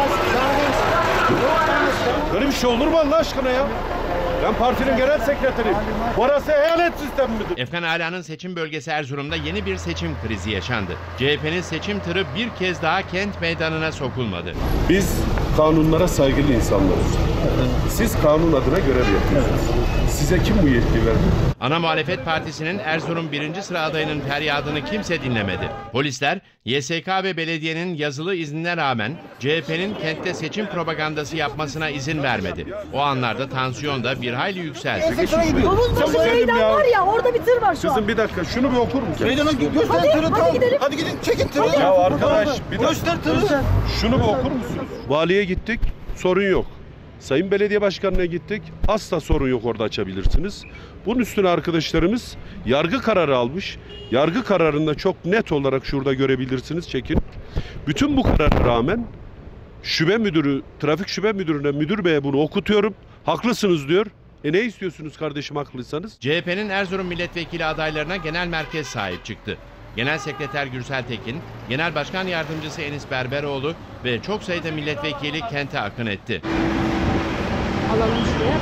Böyle bir şey olur mu Allah aşkına ya? Ben partinin genel sekreteriyim. Burası eyalet sistemi midir? Efkan Ala'nın seçim bölgesi Erzurum'da yeni bir seçim krizi yaşandı. CHP'nin seçim tırı bir kez daha kent meydanına sokulmadı. Biz kanunlara saygılı insanlarız. Siz kanun adına görev yapıyorsunuz. Size kim bu yetki verdi? Ana muhalefet partisinin Erzurum 1. sıra adayının feryadını kimse dinlemedi. Polisler, YSK ve belediyenin yazılı iznine rağmen CHP'nin kentte seçim propagandası yapmasına izin vermedi. O anlarda tansiyon da bir hayli yükseldi. Domuzbaşı meydan var ya, orada bir tır var şu an. Kızım bir dakika şunu bir okur musun? Meydana göster tırı, hadi gidelim. Hadi gidin çekin tırı. Ya arkadaş bir dakika. Göster tırı. Şunu bir okur musunuz? Valiye gittik, sorun yok. Sayın Belediye Başkanı'na gittik, asla sorun yok, orada açabilirsiniz. Bunun üstüne arkadaşlarımız yargı kararı almış. Yargı kararında çok net olarak şurada görebilirsiniz, çekin. Bütün bu karara rağmen şube müdürü, trafik şube müdürüne, müdür beye bunu okutuyorum. Haklısınız diyor. Ne istiyorsunuz kardeşim haklıysanız? CHP'nin Erzurum milletvekili adaylarına genel merkez sahip çıktı. Genel Sekreter Gürsel Tekin, Genel Başkan Yardımcısı Enis Berberoğlu ve çok sayıda milletvekili kente akın etti. Alalım şuraya.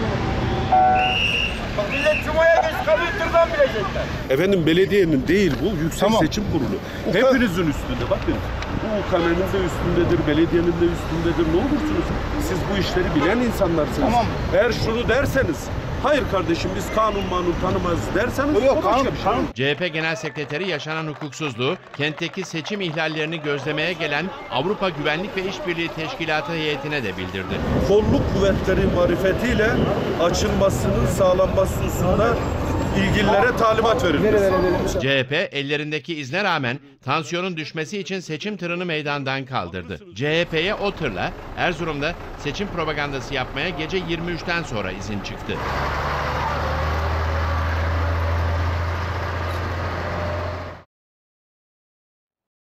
Millet Cuma'ya geç kalıyor, tırdan bilecekler. Efendim belediyenin değil bu, Yüksek Tamam. Seçim Kurulu. Hepinizin üstünde bakın. Bu UKM'nin de üstündedir, belediyenin de üstündedir. Ne olursunuz siz bu işleri bilen insanlarsınız. Tamam. Eğer şunu derseniz, hayır kardeşim biz kanun tanımaz derseniz Yok, o başka kanun, bir şey. kanun. CHP Genel Sekreteri yaşanan hukuksuzluğu, kentteki seçim ihlallerini gözlemeye gelen Avrupa Güvenlik ve İşbirliği Teşkilatı heyetine de bildirdi. Kolluk kuvvetleri marifetiyle açılmasının sağlanması hususunda ilgililere talimat verilmesi. CHP ellerindeki izne rağmen tansiyonun düşmesi için seçim tırını meydandan kaldırdı. CHP'ye o tırla Erzurum'da seçim propagandası yapmaya gece 23'ten sonra izin çıktı.